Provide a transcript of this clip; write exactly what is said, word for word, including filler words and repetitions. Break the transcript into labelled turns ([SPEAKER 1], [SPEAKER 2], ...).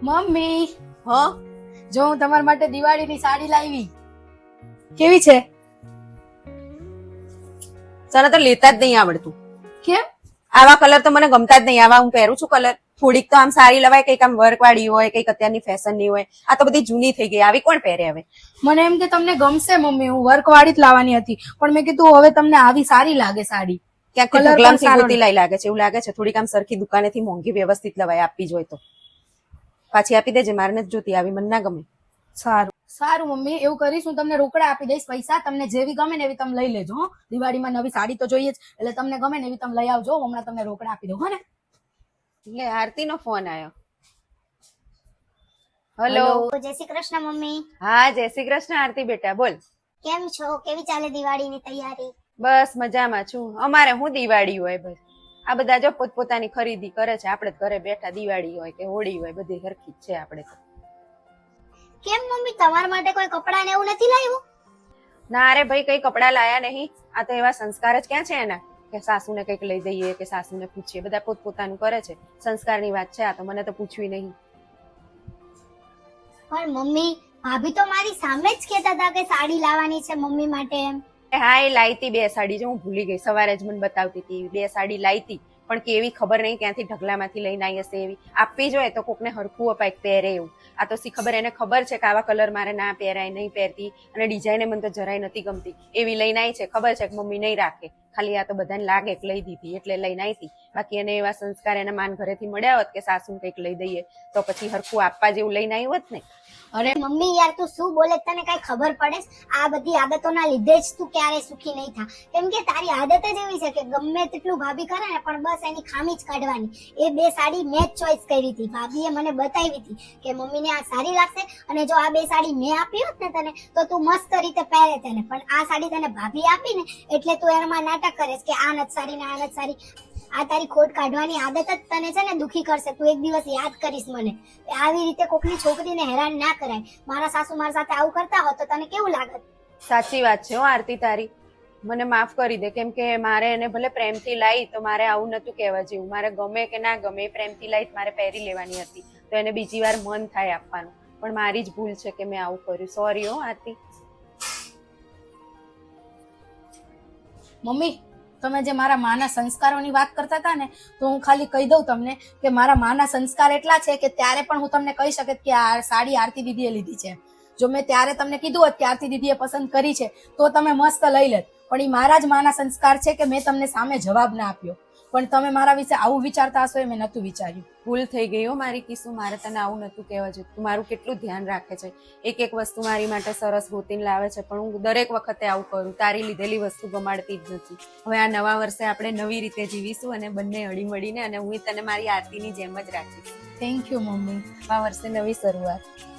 [SPEAKER 1] Mummy
[SPEAKER 2] હા
[SPEAKER 1] જો હું તમારા માટે દિવાળીની સાડી લાવી. કેવી છે?
[SPEAKER 2] તને તો લેતા જ નહીં આવડતું.
[SPEAKER 1] કેમ?
[SPEAKER 2] આવા કલર તો મને ગમતા જ નહીં. આવા હું પહેરું છું કલર. થોડીક તો આમ સારી લવાય, કઈક આમ વર્ક વાળી હોય, કઈક અત્યારની ફેશન ની હોય. આ તો બધી જૂની થઈ ગઈ. આવી કોણ પહેરે હવે?
[SPEAKER 1] મને એમ કે તમને ગમશે મમ્મી, હું વર્ક વાળી જ લાવવાની હતી, પણ મેં કીધું હવે તમને આવી સારી લાગે સાડી.
[SPEAKER 2] ક્યાંક
[SPEAKER 1] Colour પણ
[SPEAKER 2] ઢગલામથી
[SPEAKER 1] સારો
[SPEAKER 2] ગોતી લાઈ લાગે છે. એવું લાગે છે થોડીક આમ સરખી દુકાનેથી મોંઘી વ્યવસ્થિત લવાય આપવી જોઈએ તો. પાછી આપી દેજે, મારે નથી જોતી આવી, મને ના ગમે.
[SPEAKER 1] સારું સારું મમ્મી, એવું કરીશ. હું તમને રોકડા આપી દઈશ પૈસા. તમને જેવી ગમે ને એવી તમે લઈ લેજો. હો, દિવાળીમાં નવી સાડી તો જોઈએ જ, એટલે તમને ગમે ને એવી તમે લઈ આવજો. હમણાં તમને રોકડા આપી દઉં. હો ને?
[SPEAKER 2] એટલે આરતી નો ફોન આવ્યો. હેલો.
[SPEAKER 3] જય શ્રી કૃષ્ણ મમ્મી.
[SPEAKER 2] હા, જય શ્રી કૃષ્ણ આરતી બેટા, બોલ.
[SPEAKER 3] કેમ છો? કેવી ચાલે દિવાળીની તૈયારી?
[SPEAKER 2] બસ મજામાં છું. અમારે હું દિવાળી હોય બસ. આ બધા જો પોતપોતાની ખરીદી કરે છે. આપણે ઘરે બેઠા દિવાળી હોય કે હોળી હોય બધી સરખી જ છે આપણે તો.
[SPEAKER 3] કેમ મમ્મી, તમારા માટે કોઈ કપડાં ને એવું નથી લાવ્યું?
[SPEAKER 2] ના અરે ભાઈ, કઈ કપડા લાયા નહીં. આ તો એવા સંસ્કાર જ ક્યાં છે એના કે સાસુને કઈક લઈ દઈએ કે સાસુને પૂછીએ. બધા પોતપોતાનું કરે છે. સંસ્કારની વાત છે આ તો, મને તો પૂછવી નહીં.
[SPEAKER 3] પણ મમ્મી, ભાભી તો મારી સામે જ કહેતા હતા કે સાડી લાવવાની છે મમ્મી માટે એમ.
[SPEAKER 2] હા, એ લાઈતી બે સાડી, જો હું ભૂલી ગઈ. સવારે જ મને બતાવતી હતી. બે સાડી લાઈતી, પણ કેવી ખબર નહીં ક્યાંથી ઢગલામાંથી લઈને આવી હશે. એવી આપવી જોઈએ તો કોકને હરખું અપાય પહેરે એવું. આ તો સી ખબર, એને ખબર છે કે આવા કલર મારે ના પહેરાય, નહીં પહેરતી, અને ડિઝાઇન મને તો જરાય નથી ગમતી. એવી લઈને આવી છે. ખબર છે કે મમ્મી નહીં રાખે, ખાલી આ તો બધાને લાગે કે લઈ દીધી એટલે લઈને આવી હતી. બાકી એને એવા સંસ્કાર એના માન ઘરેથી મળ્યા હોત કે સાસુને કંઈક લઈ દઈએ તો પછી હરખું આપવા જેવું લઈને આવી હોત ને.
[SPEAKER 3] અરે મમ્મી યાર, તું શું બોલે તને કઈ ખબર પડે? આ બધી આદતોના લીધે જ તું ક્યારે સુખી નહીં થા. કેમ કે તારી આદત જ એવી છે કે ગમે તેટલું ભાભી કરે ને પણ બસ એની ખામી જ કાઢવાની. એ બે સાડી મેં જ ચોઈસ કરી હતી. ભાભીએ મને બતાવી હતી કે મમ્મીને આ સારી લાગશે, અને જો આ બે સાડી મેં આપી હોત ને તને તો તું મસ્ત રીતે પહેરે તેને. પણ આ સાડી તને ભાભી આપી ને એટલે તું એમાં નાટક કરે કે આ નથી સારી ને આ નથી સારી. આ તારી ખોટ કાઢવાની આદત જ તને છે ને દુખી કરશે. તું એક દિવસ યાદ કરીશ મને. આવી રીતે કોકની છોકરીને હેરાન ના કરાય. મારા સાસુ મારા સાથે આવું કરતા હોત તો તને કેવું લાગત?
[SPEAKER 2] સાચી વાત છે હો આરતી તારી. મને માફ કરી દે, કેમ કે મારે એને ભલે પ્રેમથી લાવી તો મારે આવું નતું કહેવા જેવું. મારે ગમે કે ના ગમે, પ્રેમથી લાવી મારે પહેરી લેવાની હતી, તો એને બીજી વાર મન થાય આપવાનું. પણ મારી જ ભૂલ છે કે મેં આવું કર્યું. સોરી હો આરતી.
[SPEAKER 1] મમ્મી, તમે જે મારા માના સંસ્કારોની વાત કરતા હતા ને, તો હું ખાલી કહી દઉં તમને કે મારા માના સંસ્કાર એટલા છે કે ત્યારે પણ હું તમને કહી શકત કે આ સાડી આરતી દીદીએ લીધી છે. જો મેં ત્યારે તમને કીધું હોત કે આરતી દીદીએ પસંદ કરી છે તો તમે મસ્ત લઈ લેત. પણ એ મારા જ માના સંસ્કાર છે કે મેં તમને સામે જવાબ ના આપ્યો. પણ તમે મારા વિશે આવું વિચારતા હશો એ મેં નતું વિચાર્યું.
[SPEAKER 2] ભૂલ થઈ ગઈ હો મારી કિસ્સું. મારે તને આવું નતું કહેવા જોઈએ. તું મારું કેટલું ધ્યાન રાખે છે. એક એક વસ્તુ મારી માટે સરસ ગોતીને લાવે છે, પણ હું દરેક વખતે આવું કરું. તારી લીધેલી વસ્તુ ગમાડતી જ નથી. હવે આ નવા વર્ષે આપણે નવી રીતે જીવીશું અને બંને હળી મળીને, અને હું તને મારી આરતીની જેમ જ રાખીશ.
[SPEAKER 1] Thank you mummy.
[SPEAKER 2] નવા વર્ષે નવી શરૂઆત.